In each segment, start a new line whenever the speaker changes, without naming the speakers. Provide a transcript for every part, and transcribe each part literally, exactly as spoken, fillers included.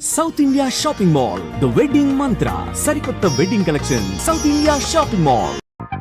South India shopping mall the wedding Mantra సరికొత్త wedding collection South India shopping mall.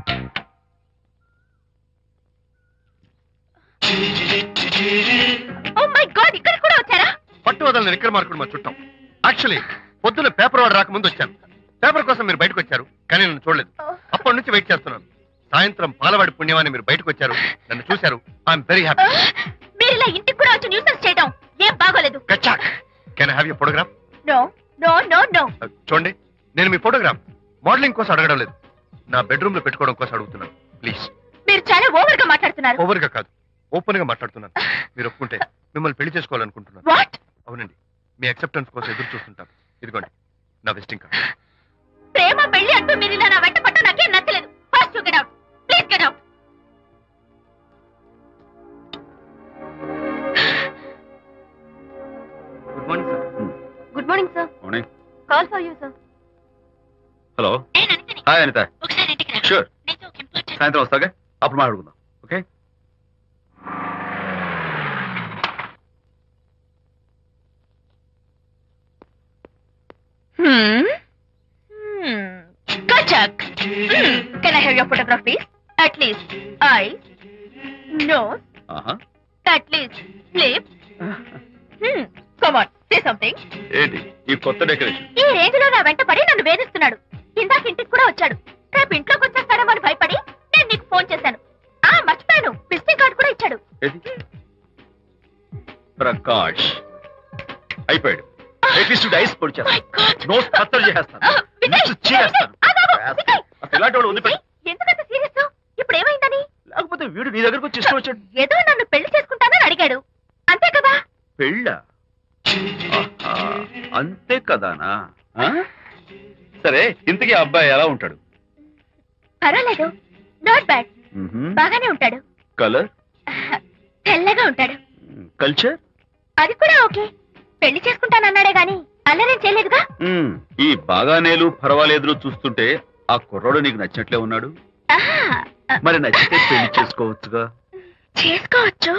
Oh my god, ఇక్కడ కూడా వచ్చారా?
పట్టు వదలని విక్రమార్కుడు మా చుట్టాం. యాక్చువల్లీ పొద్దున్న పేపర్ వాడు రాకముందు వచ్చాను. పేపర్ కోసం మీరు బయటకు వచ్చారు, కానీ నన్ను చూడలేదు. అప్పటి నుంచి వెయిట్ చేస్తున్నాను. సాయంత్రం పాలవాడి పుణ్యమాన్ని మీరు బయటకు వచ్చారు, నన్ను చూశారు. I'm very happy.
మీరు ఇలా ఇంటికి కూడా వచ్చి న్యూసెన్స్ చేయడం ఏం బాగోలేదు.
కచ్చాక్. Can I have your photograph?
No no no no.
చూడండి, నేను మీ ఫోటోగ్రాఫ్ మోడలింగ్ కోసం అడగడం లేదు, నా బెడ్రూమ్ లో పెట్టుకోవడం కోసం అడుగుతున్నాను. ప్లీజ్.
మీరు చాలా ఓవర్ గా మాట్లాడుతున్నారు.
ఓవర్ గా కాదు, ఓపెన్ గా మాట్లాడుతున్నాను. మీరు ఒప్పుకుంటే మిమ్మల్ని పెళ్లి చేసుకోవాలనుకుంటున్నాను.
వాట్?
అవునండి, మీ అక్సెప్టెన్స్ కోసం ఎదురు చూస్తుంటాను. ఇదిగోండి నా విజిటింగ్ కార్డ్.
ప్రేమ పెళ్లి అంటూ మీరు ఇలా నా వెంట పట్టు నాకేం నచ్చలేదు. First you get out. Please get out.
Good morning sir.
Good morning sir.
Morning.
Call for you sir.
Hello.
ఏ ననితని,
హాయ్ అనిత.
ఒకసారి ఇంటికి రా.
షూర్.
నీతో ఒక ఇంపార్టెంట్.
సాయంత్రం వస్తాగా, అప్పుడు మాట్లాడుకుందాం. Okay.
Hmm. Hmm. Kachak. Hmm. Can I have your photograph, please? At least eyes, nose,
ఆహా.
at least lips. Hmm. Come on, say something.
ఏంటి ఈ కొత్త డెకరేషన్?
ఈ రేంజ్ లో నా వెంట పడి నన్ను వేధిస్తున్నాడు. ఇందాక ఇంటికి కూడా వచ్చాడు. రేపు ఇంట్లోకి వచ్చేస్తాడేమో అని భయపడి నేను నీకు ఫోన్ చేశాను. ఆ మర్చిపోయాను, విజిటింగ్ కార్డు కూడా ఇచ్చాడు.
ఏది? ప్రకాష్ అయిపోయాడు. అట్లీస్ట్ ఐస్ పొడి
My God.
చేస్తాను, నోట్ కత్తలు చేసేస్తాను,
Ah, Vijay,
lips చేస్తాను.
Vijay, ఆగు, ఆగు, Vijay.
అసలు ఇలాంటి వాడు వదిలిపెట్టు.
Vijay, ఎందుకంత సీరియస్? ఇప్పుడు ఏమైందని?
లేకపోతే వీడు నీ దగ్గరకు వచ్చి ఇష్టం వచ్చాడు.
ఏదో నన్ను పెళ్లి చేసుకుంటానని అడిగాడు, అంతే కదా?
పెళ్ళా? ఆహా, అంతే కదానా? ఆ? సరే, ఇంతకీ ఆ అబ్బాయి ఎలా ఉంటాడు?
పర్వాలేదు, నాట్ బ్యాడ్,
మ్మ్హ్మ్.
బాగానే ఉంటాడు.
కలర్?
తెల్లగా ఉంటాడు.
కల్చర్?
అది కూడా ఓకే. పెళ్లి చేసుకుంటానన్నాడే గాని అల్లరేం చేయలేదుగా.
మ్మ్. ఈ బాగానేలు పర్వాలేదు చూస్తుంటే ఆ కుర్రాడు నీకు నచ్చినట్లే ఉన్నాడు.
ఆహా,
మరి నచ్చితే పెళ్లి చేసుకోవచ్చుగా.
చేసుకోవచ్చు,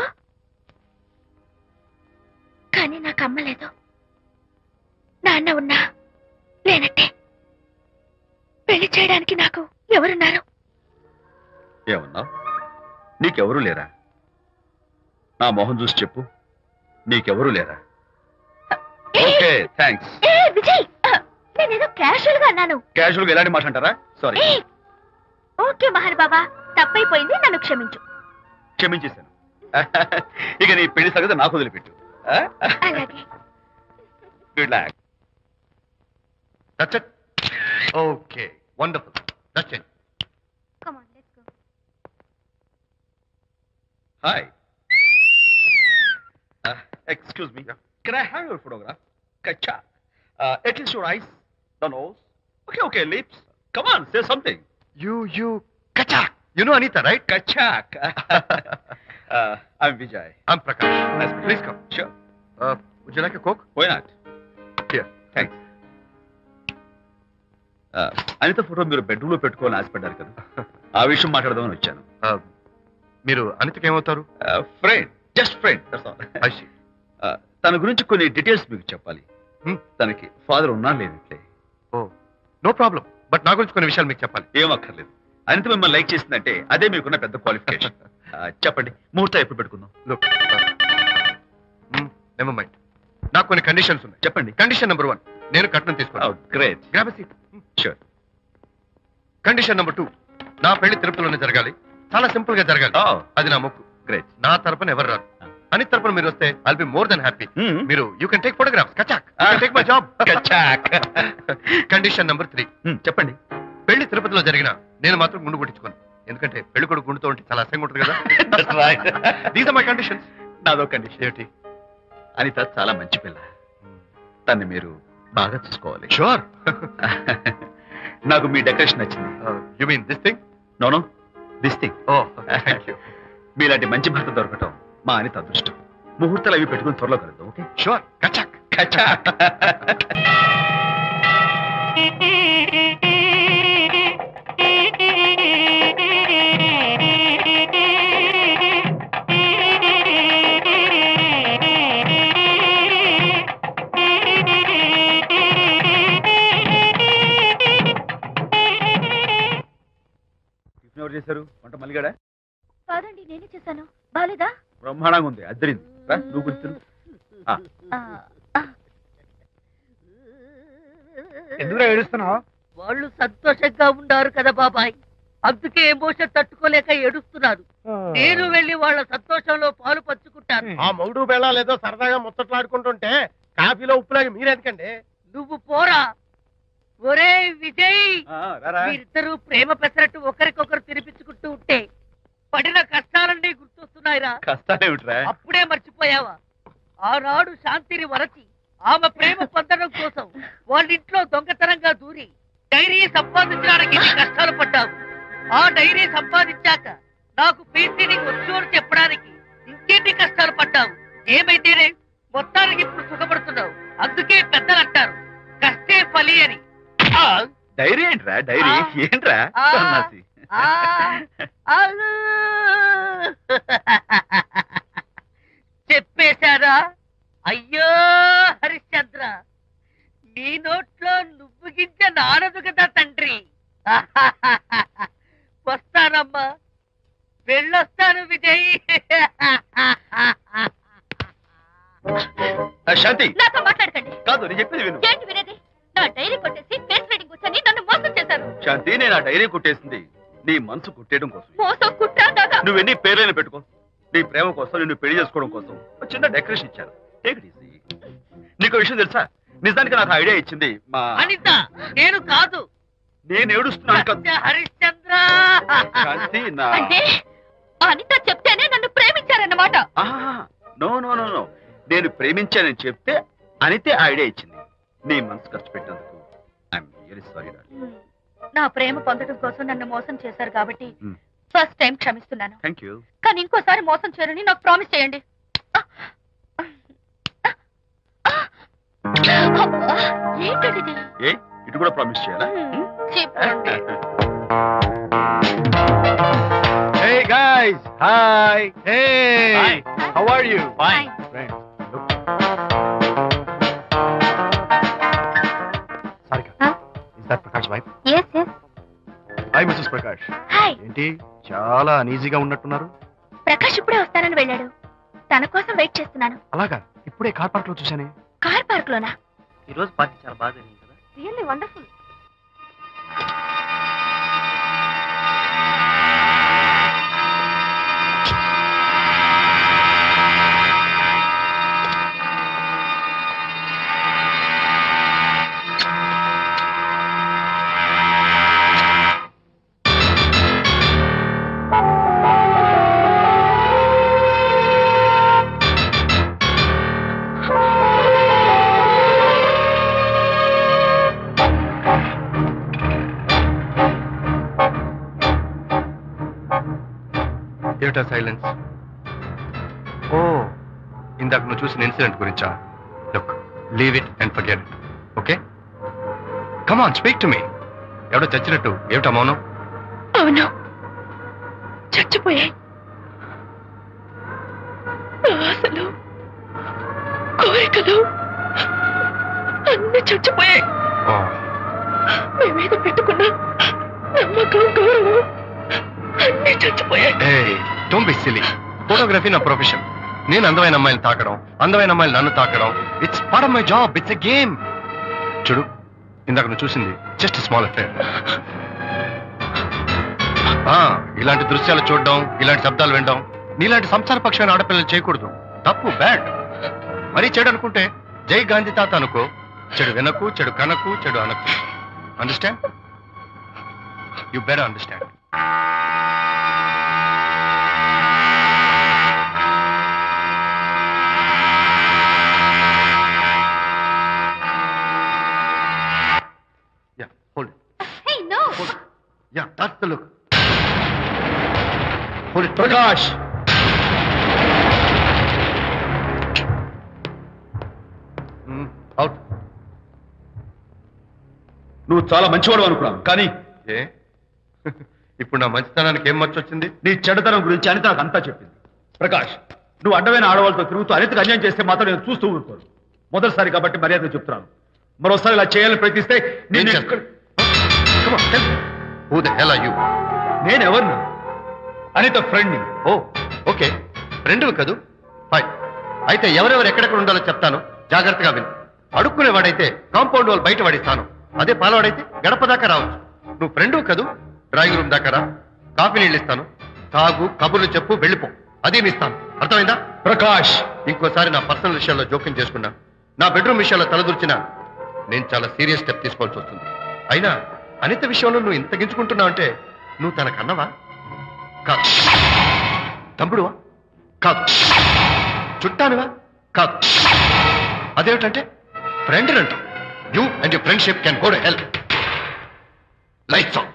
కానీ నాకు అమ్మలేదు. నాన్న ఉన్నా లేనట్టే. పెళ్లి చేయడానికి నాకు ఎవరున్నారు?
ఏమన్నా? నీకెవరూ లేరా? నా మొహం చూసి చెప్పు, నీకెవరూ లేరా? Okay, thanks.
ఏ విజయ్, నేనేదో క్యాషువల్ గా అన్నాను.
క్యాజువల్ గా ఎలాంటి మాట అంటారా? సారీ.
ఏ, ఓకే మహర్ బాబా, తప్పైపోయింది, నన్ను క్షమించు.
క్షమించేశాను. ఇక నీ పెళ్లి సంగతి నాకు వదిలిపెట్టు.
అలాగే.
Good luck.
That's it. Okay, wonderful. That's it.
Come on, let's go.
Hi. Excuse me, can I have your photograph? కచ్చా. At least your eyes, the nose. Okay okay, lips. Come on, say something.
You you కచాక్. You know Anitha, right?
కచాక్. I'm Vijay.
I'm Prakash. Nice. Please come.
Sure.
Would you like a coke?
Why not?
Here.
Thanks. Anitha photo మీరు bedroom లో పెట్టుకోవాలని ఆశపడ్డారు కదా, ఆ విషయం మాట్లాడదామని వచ్చాను.
మీరు అనితకి ఏమవుతారు?
Friend, just friend.
I see.
తన గురించి కొన్ని డీటెయిల్స్ మీకు చెప్పాలి.
Hmm.
తనకి ఫాదర్ ఉన్నా లేనట్లే.
Oh, no problem. బట్ నా గురించి కొన్ని విషయాలు మీకు చెప్పాలి.
ఏం అక్కర్లేదు. అనిత మిమ్మల్ని లైక్ చేసిందంటే అదే మీకున్న పెద్ద క్వాలిఫికేషన్. చెప్పండి, ముహూర్తం ఎప్పుడు పెట్టుకుందాం?
Look, never mind. నాకు కొన్ని కండిషన్స్ ఉన్నాయి.
చెప్పండి.
కండిషన్ నెంబర్ వన్, నేను కట్నం తీసుకోవాలి.
Great.
Grab a seat.
Sure.
Condition number two, నా పెళ్లి తిరుపతిలోనే జరగాలి. చాలా సింపుల్ గా జరగాలి. అది నా మొక్కు.
గ్రేట్.
నా తరపున ఎవరు రాదు. అని తరపున మీరు వస్తే I'll be more than happy. మీరు యూ కెన్ టేక్ ఫోటోగ్రాఫ్స్. కచాక్. Take my job.
కచాక్.
కండిషన్ నెంబర్ త్రీ,
చెప్పండి.
పెళ్లి తిరుపతిలో జరిగిన నేను మాత్రం గుండు కొట్టించుకోను. ఎందుకంటే పెళ్లి కొడుకు గుండుతో ఉంటే చాలా అసహ్యంగా ఉంటుంది కదా. These are my conditions.
నాదో కండిషన్.
ఏంటి?
అనిత చాలా మంచి పిల్ల, తన్ని మీరు బాగా చూసుకోవాలి.
షూర్.
నాకు మీ డెకరేషన్ నచ్చింది.
You mean this thing?
No no, this thing.
Oh, thank you.
మీలాంటి మంచి భర్త దొరకటం మా అనిత అదృష్టం. ముహూర్తాలు అవి పెట్టుకుని త్వరలో కలుద్దాం. ఓకే?
షూర్. కచాక్.
కచాక్. చేశారు వంట మల్లిగాడా?
కాదండి నేనే చేశాను. బాలేదా?
బ్రహ్మాండంగా ఉంది, అద్దరింది. రా, నువ్వు గుర్తు.
ఆ, ఆ.
ఎందుకు ఏడుస్తున్నావు?
వాళ్ళు సంతోషంగా ఉన్నారు కదా బాబాయ్, అందుకే ఎమోషన్ తట్టుకోలేక ఏడుస్తున్నారు. నేను వెళ్ళి వాళ్ళ సంతోషంలో పాలు పంచుకుంటాను.
ఆ మౌడు బెళ్ళాలు ఏదో సరదాగా ముచ్చట్లాడుకుంటుంటే కాఫీలో ఉప్పులాగా మీరెందుకండి?
నువ్వు పోరా. ఒరే విజయ్,
ఆ, రారా.
మీరిద్దరూ ప్రేమ పెసరట్టు ఒకరికొకరు తినిపించుకుంటూ ఉంటే పడిన కష్టాలన్నీ గుర్తొస్తున్నాయిరా.
కష్టాలేమిట్రా?
అప్పుడే మర్చిపోయావా? ఆనాడు శాంతిని వరచి ఆమె ప్రేమ పొందడం కోసం వాళ్ళింట్లో దొంగతనంగా దూరి డైరీ సంపాదించడానికి ఎన్ని కష్టాలు పడ్డావు. ఆ డైరీ సంపాదించాక నాకు పీసీడీకి వచ్చు అని చెప్పడానికి ఇంకెన్ని కష్టాలు పడ్డావు. ఏమైతేనే మొత్తానికి ఇప్పుడు సుఖపడుతున్నావు. అందుకే పెద్దలు అంటారు కష్టే ఫలి అని. ఆ,
డైరీ ఏంట్రా? డైరీ
ఆ.
ఏంట్రా?
ఆ.
సన్నాసి.
ఆ, అలు. చెప్పేశారా? అయ్యో హరిశ్చంద్ర, నీ నోట్లో నువ్వు గింజ నానదు కదా తండ్రి. వస్తానమ్మా, వెళ్ళొస్తాను విజయ్.
ఆ, శాంతి
నాతో మాట్లాడకండి.
కాదు, నేను చెప్పేది విను.
ఏంటి వినేది? నా డైరీ కొట్టేసి ఫేస్ రీడింగ్ వచ్చని నన్ను మోసం చేశారు.
శాంతి, నేను ఆ డైరీ కొట్టేసింది నీ మనసు కుట్టేయడం కోసం.
మోసం కుట్ర దాగా.
నువ్వెన్ని పేర్లైనా పెట్టుకో, నీ ప్రేమ కోసం, నిన్ను పెళ్లి చేసుకోవడం కోసం ఒక చిన్న డెకరేషన్ ఇచ్చాను. Take it easy. నీకు విషయం తెలుసా? నిజానికి నాకు ఐడియా ఇచ్చింది మా
అనిత, నేను కాదు.
నేను ఏడుస్తున్నాను కదా.
సత్య హరిశ్చంద్ర.
శాంతి, నా
అంటే అనిత చెప్తేనే నన్ను ప్రేమించారన్నమాట.
నో నో నో నో నేను ప్రేమించానని చెప్తే అనితే ఐడియా ఇచ్చింది. నీ మనసు ఖర్చు పెట్టినందుకు ఐఎమ్ రియల్లీ సారీ.
నా ప్రేమ పొందడం కోసం నన్ను మోసం చేశారు కాబట్టి
Hmm.
ఫస్ట్ టైం క్షమిస్తున్నాను.
Thank you.
కానీ ఇంకోసారి మోసం చేయరని నాకు ప్రామిస్ చేయండి. అబ్బా, ఏంటండి
ఏ ఇటు కూడా ప్రామిస్ చేయాలా?
చెప్పండి.
Hey guys, hi. Hey,
Hi.
how are you?
Fine.
Friends, look. Sarika,
Huh?
is that Prakash wife?
Yes, yes.
Hi, Missus Prakash.
Hi.
ఏంటి చాలా అనీజీగా ఉన్నట్టున్నారు?
ప్రకాష్ ఇప్పుడే వస్తానని వెళ్ళాడు. తన కోసం వెయిట్ చేస్తున్నాను.
అలాగా, ఇప్పుడే కార్ పార్క్ లో చూశానే.
కార్ పార్క్ లోనా?
ఈ రోజు పార్టీ చాలా బాగా జరిగింది కదా.
Really wonderful.
ఏమిటా సైలెన్స్? ఓ, ఇందాక నువ్వు చూసిన ఇన్సిడెంట్ గురించా? Look, leave it and forget it. Okay, come on, speak to me. ఎవడో చచ్చినట్టు ఏమిటా మౌనం?
అవును, చచ్చిపోయాయి. ఆశలు, కోరికలు అన్ని చచ్చిపోయాయి.
ఓ,
మీ మీద పెట్టుకున్న నమ్మకం, గౌరవం అన్ని చచ్చిపోయాయి.
ఏయ్, డోంట్ బి సిలీ. ఫోటోగ్రఫీ నా ప్రొఫెషన్. నేను అందమైన అమ్మాయిని తాకడం, అందమైన అమ్మాయిలు నన్ను తాకడం, it's part of my job. It's a game. చూడు, ఇందాక నువ్వు చూసింది జస్ట్ స్మాల్ అఫేర్. ఇలాంటి దృశ్యాలు చూడడం, ఇలాంటి శబ్దాలు వినడం నీలాంటి సంసారపక్షమైన ఆడపిల్లలు చేయకూడదు. తప్పు, బ్యాడ్. మరీ చెడు అనుకుంటే జై గాంధీ తాత అనుకో. చెడు వినకు, చెడు కనకు, చెడు అనకు. Understand? You better understand. Yeah, hold it.
Hey, no.
Hold it. Yeah, that's the look. Hold it.
Prakash,
Mm, out.
నువ్వు చాలా మంచివాడు అనుకున్నాను, కానీ
ఏ ఇప్పుడు నా మంచితనానికి ఏం మర్చి వచ్చింది?
నీ చెడుతనం గురించి అనిత నాకు అంతా చెప్పింది. ప్రకాష్, నువ్వు అడ్డమైన ఆడవాళ్ళతో తిరుగుతూ అనితకు అన్యాయం చేస్తే మాత్రం నేను చూస్తూ ఊరుకోను. మొదటిసారి కాబట్టి మర్యాద చెప్తున్నాను. మరోసారి ఇలా చేయాలని ప్రయత్నిస్తే
ఏం
నేను
చేస్తావు? Come on, tell me. Who the hell are you?
నేనెవరినా? Anitha friend
oh okay friend కదూ ఫైన్. అయితే ఎవరెవరు ఎక్కడెక్కడ ఉండాలో చెప్తాను, జాగ్రత్తగా విను. అడుక్కునేవాడైతే కాంపౌండ్ వాళ్ళు బయట పడిస్తాను, అదే పాలవాడైతే గడప దాకా రావచ్చు. నువ్వు ఫ్రెండు కదూ, డ్రాయింగ్ రూమ్ దాకా రా, కాఫీ నీళ్ళు ఇస్తాను, తాగు, కబుర్లు చెప్పు, వెళ్ళిపో. అదేమి ఇస్తాను, అర్థమైందా?
ప్రకాష్,
ఇంకోసారి నా పర్సనల్ విషయాల్లో జోక్యం చేసుకున్నా, నా బెడ్రూమ్ విషయాల్లో తలదూర్చినా నేను చాలా సీరియస్ స్టెప్ తీసుకోవాల్సి వస్తుంది. అయినా అనిత విషయంలో నువ్వు ఇంత గించుకుంటున్నావు అంటే నువ్వు తనకన్నవా? కాదు. తమ్ముడువా? కాదు. చుట్టానువా? కాదు. అదేమిటంటే ఫ్రెండ్ అంట. You and your friendship can go to help. Lights on.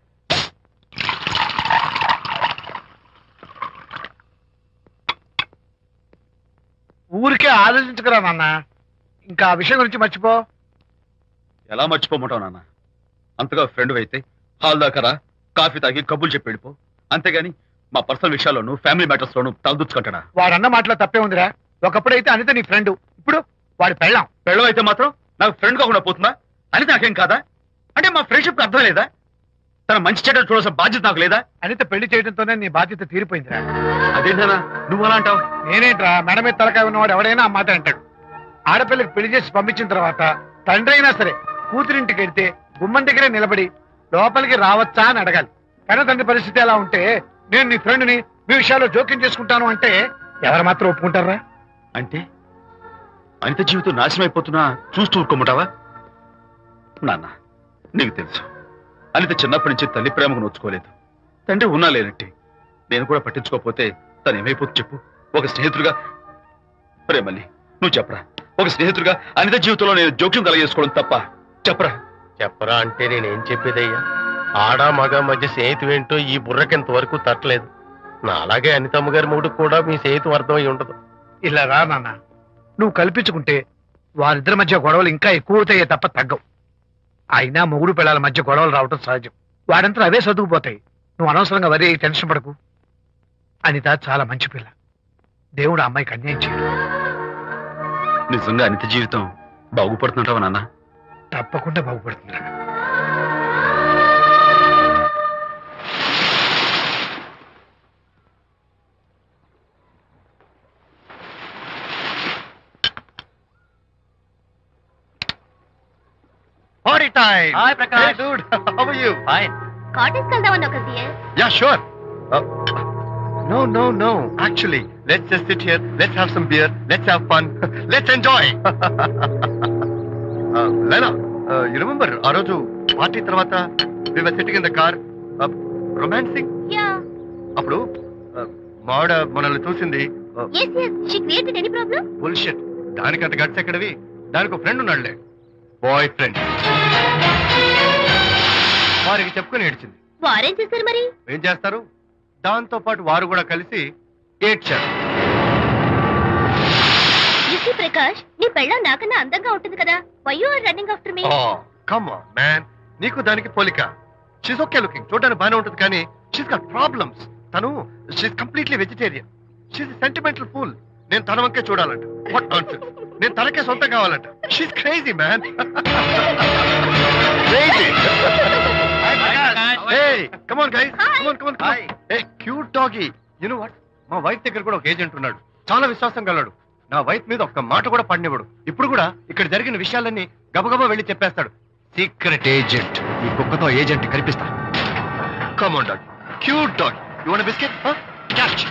ఊరికే ఆలోచించుకురా నాన్న, ఇంకా ఆ విషయం గురించి మర్చిపో.
ఎలా మర్చిపోమంటావు నాన్న? అంతగా ఫ్రెండ్ అయితే హాల్ దాకా రా, కాఫీ తాగి కబుర్లు చెప్పి వెళ్ళిపో. అంతేగాని మా పర్సనల్ విషయాల్లోనూ ఫ్యామిలీ మ్యాటర్స్ లోనూ తలదూర్చుకుంటాడా?
వాడన్న మాటలో తప్పే ఉందిరా. ఒకప్పుడైతే అనిత నీ ఫ్రెండ్, ఇప్పుడు వాడి పెళ్ళాం.
పెళ్ళం అయితే మాత్రం నాకు ఫ్రెండ్ కాకుండా పోతుందా? అని నాకేం కాదా? అంటే మా ఫ్రెండ్షిప్ అర్థం లేదా? తన మంచి చెడ్డ చూడాల్సిన బాధ్యత నాకు లేదా?
అనిత పెళ్లి చేయడంతోనే నీ బాధ్యత తీరిపోయిందిరా.
అదేంటనా నువ్వు అలా అంటావు?
నేనేంట్రా, మెడ మీద తలకాయ ఉన్నవాడు ఎవడైనా ఆ మాట అంటాడు. ఆడపిల్లకి పెళ్లి చేసి పంపించిన తర్వాత తండ్రి అయినా సరే కూతురింటికి వెళ్తే గుమ్మం దగ్గరే నిలబడి లోపలికి రావచ్చా అని అడగాలి. కానీ తండ్రి పరిస్థితి ఎలా ఉంటే నేను నీ ఫ్రెండ్ని మీ విషయాల్లో జోక్యం చేసుకుంటాను అంటే ఎవరు మాత్రం ఒప్పుకుంటారా?
అంటే అనిత జీవితం నాశనం అయిపోతున్నా చూస్తూ ఊరుకోమంటావా? నాన్న, నీకు తెలుసు అనిత చిన్నప్పటి నుంచి తల్లి ప్రేమకు నోచుకోలేదు. తండ్రి ఉన్నా లేనట్టే. నేను కూడా పట్టించుకోకపోతే తను ఏమైపోతుంది చెప్పు? ఒక స్నేహితుడిగా ప్రేమల్ని నువ్వు చెప్పరా? ఒక స్నేహితుడిగా అనిత జీవితంలో నేను జోక్యం కలగజేసుకోవడం తప్ప? చెప్పరా?
చెప్పరా అంటే నేనేం చెప్పేదయ్యా? ఆడ మగ మధ్య స్నేహితు ఏంటో ఈ బుర్రకింత వరకు తట్టలేదు. నా అలాగే అనితమ్మ గారి మూడు కూడా మీ స్నేహితు అర్థం అయి ఉండదు. ఇలా రా నాన్న, నువ్వు కల్పించుకుంటే వారిద్దరి మధ్య గొడవలు ఇంకా ఎక్కువ అవుతాయే తప్ప తగ్గవు. అయినా మొగుడు పిల్లల మధ్య గొడవలు రావటం సహజం. వాడంతా అవే సర్దుకుపోతాయి. నువ్వు అనవసరంగా వరి టెన్షన్ పడకు. అనిత చాలా మంచి పిల్ల. దేవుడు ఆ అమ్మాయికి అన్యాయం చేయడు.
నిజంగా అనిత జీవితం బాగుపడుతుంటావా నాన్న?
తప్పకుండా బాగుపడుతుందిరా.
Party time.
Hi, Prakash.
Hey, dude. How are you?
Fine.
Cottage వెళ్దామని ఒక dear.
Yeah, sure. Uh, no, no, no. Actually, let's just sit here. Let's have some beer. Let's have fun. Let's enjoy. uh, Lena, uh, you remember ఆ రోజు party తర్వాత we were sitting in the car, uh, romancing?
Yeah.
అప్పుడు uh, మావిడ మనల్ని చూసింది. uh,
yes yes she created any problem?
bullshit. దానికంత guts ఎక్కడవి? దానికి ఒక ఫ్రెండ్ ఉన్నాడులే, బాయ్ ఫ్రెండ్. వారికి చెప్పుకుని ఏడ్చింది.
వారేం చేశారు మరి?
ఏం చేస్తారు? దాంతో పాటు వారు కూడా కలిసి ఏడ్చారు.
You see ప్రకాష్, నీ పెళ్ళం నాకన్నా అందంగా ఉంటుంది కదా. why you are running after me?
Oh, come on, man. నీకు దానికి పోలిక. షీస్ ఓకే లుకింగ్, చూడడానికి బాగానే ఉంటుంది, కానీ షీస్ గాట్ ప్రాబ్లమ్స్. తను she's completely vegetarian. She's sentimental fool. నేను తన వంకే చూడాలంట. What nonsense. నేను తనకే సొంతం కావాలంట. She's crazy man. Crazy. Hey, come on guys.
Hi.
Come on, come on, come on. Hey, cute doggy. You know what? మా wife దగ్గర కూడా ఒక ఏజెంట్ ఉన్నాడు. చాలా విశ్వాసం గలడు. నా వైఫ్ మీద ఒక్క మాట కూడా పడినివ్వడు. ఇప్పుడు కూడా ఇక్కడ జరిగిన విషయాలన్నీ గబగబా వెళ్ళి చెప్పేస్తాడు. Secret agent. ఈ కుక్కతో ఏజెంట్ కనిపిస్తా. Come on, dog. Cute dog. You want a biscuit? Huh? Catch.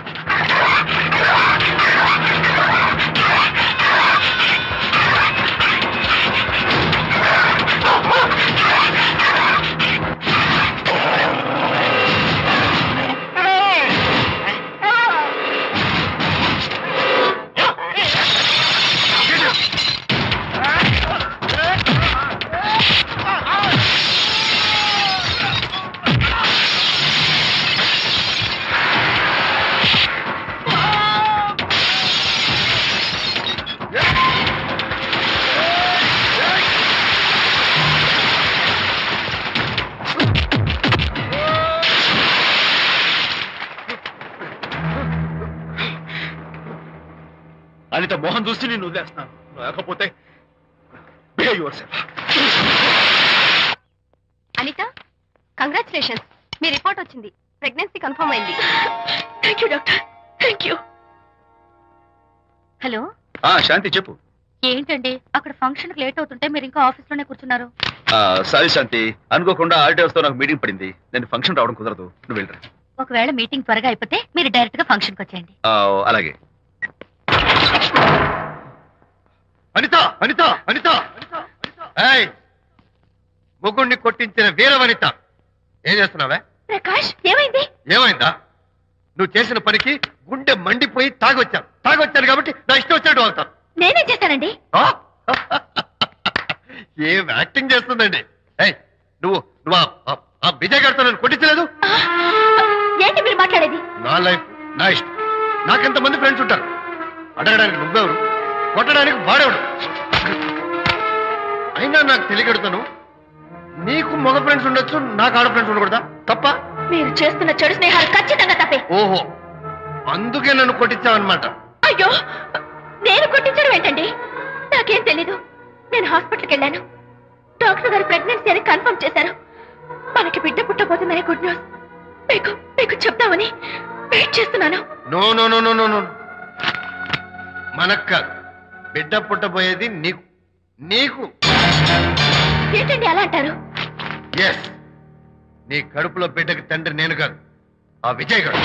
Anitha Mohan చూసి నేను వదిలేస్తున్నాను. లేకపోతే behave yourself.
అనిత, కంగ్రాచులేషన్స్, మీ రిపోర్ట్ వచ్చింది. ప్రెగ్నెన్సీ కన్ఫర్మ్ అయింది. Thank you doctor, thank you. Hello,
ఆ శాంతి చెప్పు.
ఏంటండి అక్కడ ఫంక్షన్ లేట్ అవుతుంటే మీరు ఇంకా ఆఫీస్ లోనే కూర్చున్నారు?
సారీ శాంతి, అనుకోకుండా ఆర్డర్స్ తో నాకు మీటింగ్ పడింది. నేను ఫంక్షన్ రావడం కుదరదు, నువ్వు వెళ్ళరా.
ఒకవేళ మీటింగ్ త్వరగా అయిపోతే మీరు డైరెక్ట్ గా ఫంక్షన్ కి వచ్చేయండి.
అలాగే.
అనిత అనిత అనిత ఏయ్, ముగ్గుడిని కొట్టించిన వీర వనిత, ఏం చేస్తున్నావే?
ప్రకాష్, ఏమైంది?
ఏమైందా? నువ్వు చేసిన పనికి గుండె మండిపోయి తాగొచ్చాను తాగొచ్చాను కాబట్టి నా ఇష్టం వచ్చినట్టు అవుతాను.
నేనేం చేశానండి?
ఆ? ఏం యాక్టింగ్ చేస్తుందండి. ఏయ్, నువ్వు నువ్వు ఆ- ఆ- ఆ విజయ్ గారితో నన్ను కొట్టించలేదు.
ఏంటి మీరు మాట్లాడేది?
నా లైఫ్ నా ఇష్టం. నాకెంతమంది ఫ్రెండ్స్ ఉంటారు. అడగడానికి నువ్వెవరు, కొట్టడానికి వాడేవాడు. అయినా నాకు తెలియగడుతాను, నీకు మగ ఫ్రెండ్స్ ఉండొచ్చు, నాకు ఆడ ఫ్రెండ్స్ ఉండకూడదా? తప్ప?
మీరు చేస్తున్న చెడు స్నేహాలు ఖచ్చితంగా తప్పే.
ఓహో, అందుకే నన్ను కొట్టించావన్నమాట.
అయ్యో, నేను కొట్టించడం ఏంటండి? నాకేం తెలీదు. నేను హాస్పిటల్కి వెళ్ళాను. డాక్టర్ గారు ప్రెగ్నెన్సీ అని కన్ఫర్మ్ చేశారు. మనకి బిడ్డ పుట్టబోతుందని గుడ్ న్యూస్ మీకు మీకు చెప్తామని వెయిట్ చేస్తున్నాను.
No no no no no no మనక్క బిడ్డ పుట్టబోయేది నీకు నీకు
ఏంటండి అలా అంటారు?
ఎస్, నీ కడుపులో బిడ్డకి తండ్రి నేను కాదు, ఆ విజయ్ గారు.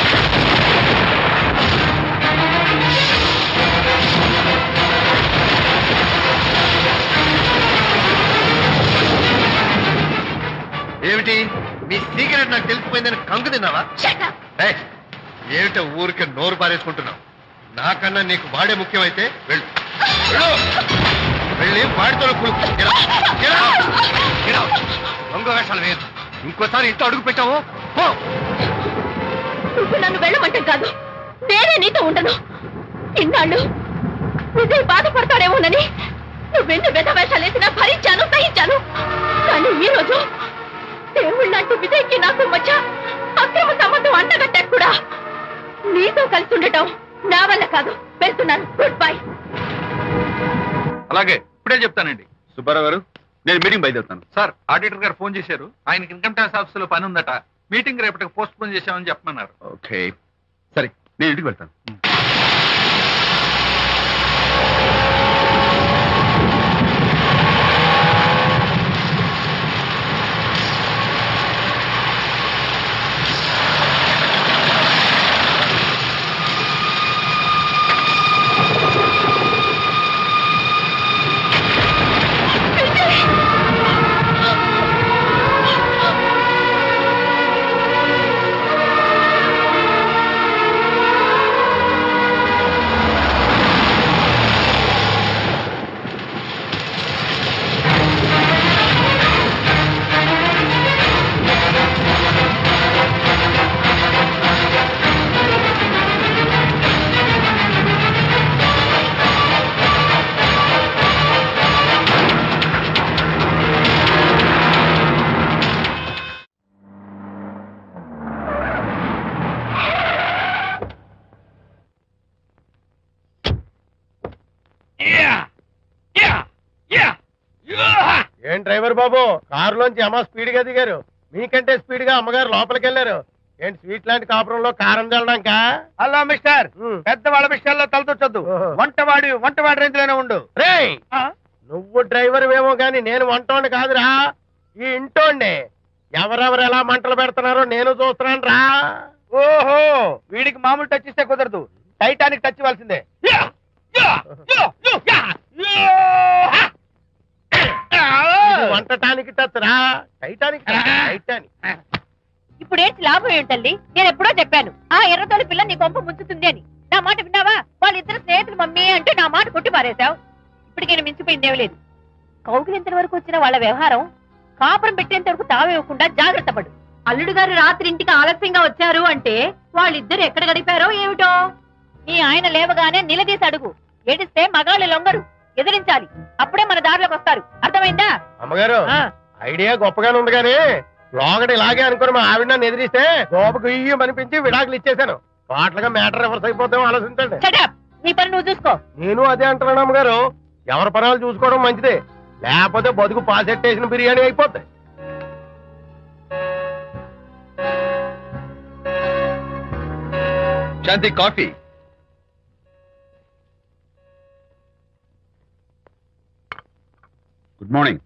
ఏమిటి మీ సీక్రెట్ నాకు తెలిసిపోయిందని కంగు తిన్నావా?
Shut up.
ఏయ్, ఏమిటో ఊరికే నోరు పారేసుకుంటున్నావు? నాకన్నా నీకు వాడే ముఖ్యమైతే వెళ్ళు వెళ్ళు. వెళ్ళి వాడితో దొంగ వేషాలు వేయదు. ఇంకోసారి ఇంట్లో అడుగు పెట్టావు పో.
నువ్వు నన్ను వెళ్ళమంటే కాదు, నేనే నీతో ఉండను. ఇన్నాళ్ళు విజయ్ బాధపడతాడేమోనని నువ్వెన్ని వెధ వేషాలు వేసినా భరించాను, సహించాను. కానీ ఈ రోజు దేవుళ్ళంటి విజయ్కి నాకు మధ్య అక్రమ సంబంధం అంటగట్టాక కూడా నీతో కలిసి ఉండటం నా వల్ల కాదు. వెళ్తున్నాను, గుడ్ బై.
అలాగే, ఇప్పుడే చెప్తానండి. సుబ్బారావు గారు, నేను మీటింగ్ బయలుదేరుతాను.
సార్, ఆడిటర్ గారు ఫోన్ చేశారు. ఆయనకి ఇన్కమ్ ట్యాక్స్ ఆఫీస్ లో పని ఉందట. మీటింగ్ రేపటికి పోస్ట్ పోన్ చేశామని చెప్పమన్నారు.
ఓకే, సరే, నేను ఇంటికి వెళ్తాను.
ఏం డ్రైవర్ బాబు, కారులోంచి అమ్మ స్పీడ్ గా దిగారు. మీకంటే స్పీడ్ గా అమ్మగారు లోపలికి వెళ్ళారు. ఏంటి స్వీట్ లాంటి కాపురంలో కారం చల్లడాక?
హలో మిస్టర్, పెద్దవాళ్ళ విషయాల్లో తలదొచ్చొద్దు. వంటవాడి వంటవాడి రేంజ్ లోనే ఉండు.
రేయ్, నువ్వు డ్రైవర్ ఏమో గాని నేను వంటోండి కాదురా, ఈ ఇంటోండి. ఎవరెవరు ఎలా మంటలు పెడుతున్నారో నేను చూస్తున్నాను రా.
ఓహో, వీడికి మామూలు టచ్ ఇస్తే కుదరదు, టైటానిక్ టచ్ ఇవ్వాల్సిందే.
ఇది వంటటానికి టచ్ రా, టైటానిక్ టచ్, టైటానిక్.
ఇప్పుడు ఏంటి లాభం ఏంటల్లి? నేను ఎప్పుడో చెప్పాను ఆ ఎర్రతోలి పిల్ల నీ కొంప ముంచుతుంది అని. నా మాట విన్నావా? వాళ్ళిద్దరు స్నేహితులు మమ్మీ అంటే నా మాట కొట్టి పారేశావు. ఇప్పటికి నేను మించిపోయిందేం లేదు. కౌగిలింత వరకు వచ్చిన వాళ్ళ వ్యవహారం కాపురం పెట్టేంత వరకు తావేవ్వకుండా జాగ్రత్త పడు. అల్లుడు గారు రాత్రి ఇంటికి ఆలస్యంగా వచ్చారు అంటే వాళ్ళిద్దరు ఎక్కడ గడిపారో ఏమిటో. నీ ఆయన లేవగానే నిలదీసి అడుగు. ఏడిస్తే మగాళ్ళు లొంగరు, ఎదిరించాలి. అప్పుడే మన దారిలోకి వస్తారు. అర్థమైందా?
అమ్మగారు,
ఆ.
ఐడియా గొప్పగానే ఉంది కానీ లోగడ ఇలాగే అనుకుని మా ఆవిడ నన్ను ఎదిరిస్తే గోపకు ఇయ్యం అనిపించి విడాకులు ఇచ్చేశాను. పాటలుగా మ్యాటర్ రివర్స్ అయిపోతాం, ఆలోచించండి.
Shut up. నీ పని నువ్వు చూసుకో.
నేను అదే అంటున్నాను అమ్మగారు, ఎవరి పనాలు చూసుకోవడం మంచిదే, లేకపోతే బతుకు పాసెట్టేసిన బిర్యానీ అయిపోతాయి.
Shanti coffee. Good morning.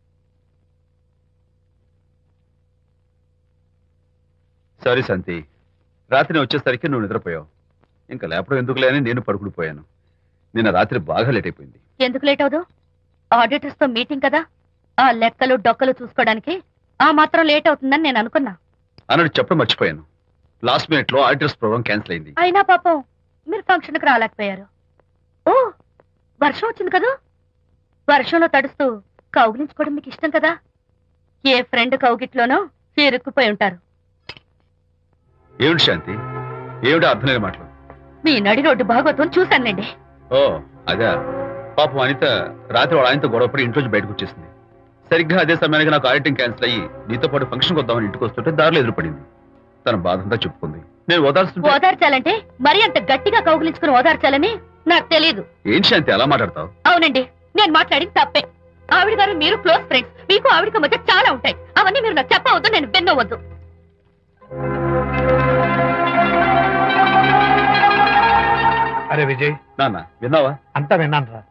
Sorry Shanti, రాత్రి నేను వచ్చేసరికి నువ్వు నిద్రపోయావు. ఇంకా లేపడం ఎందుకులే అని నేను పడుకుడిపోయాను. నిన్న రాత్రి బాగా లేట్ అయిపోయింది.
ఎందుకు లేట్ అవదు? ఆడిటర్స్ తో మీటింగ్ కదా, ఆ లెక్కలు డొక్కలు చూసుకోవడానికి ఆ మాత్రం లేట్ అవుతుందని నేను అనుకున్నా.
అన్నట్టు చెప్పడం మర్చిపోయాను. లాస్ట్ మినిట్ లో ఆడిటర్స్ ప్రోగ్రామ్ క్యాన్సిల్ అయింది.
అయినా పాపం మీరు ఫంక్షన్ కి రాలేకపోయారు. ఓ, వర్షం వచ్చింది కదా, వర్షంలో తడుస్తూ కౌగిలించుకోవడం మీకు ఇష్టం కదా. ఏ ఫ్రెండ్ కౌగిట్లోనో ఇరుక్కుపోయి ఉంటారు.
ఏమిటి శాంతి, ఏమిటి అర్థం లేని మాటలు?
మీ నడి రోడ్డు భాగవతం చూశానులేండి.
ఓ అదే, పాపం అనిత రాత్రి వాళ్ళ ఆయనతో గొడవపడి ఇంట్లోంచి బయటకు వచ్చేసింది. సరిగ్గా అదే సమయానికి నాకు ఆడిటింగ్ క్యాన్సిల్ అయ్యి నీతో పాటు ఫంక్షన్కి వద్దామని ఇంటికి వస్తుంటే దారిలో ఎదురుపడింది. తన బాధంతా చెప్పుకుంది. నేను ఓదార్చుంటే
ఓదార్చాలంటే మరి అంత గట్టిగా కౌగిలించుకుని ఓదార్చాలని నాకు తెలియదు.
ఏం శాంతి అలా మాట్లాడతావు?
అవునండి, నేను మాట్లాడింది తప్పే. ఆవిడ గారు మీరు క్లోజ్ ఫ్రెండ్స్, మీకు ఆవిడకి మధ్య చాలా ఉంటాయి. అవన్నీ మీరు నాకు చెప్పవద్దు, నేను విన్నవద్దు.
అరే విజయ్,
నాన్న విన్నావా?
అంతా విన్నాను రా.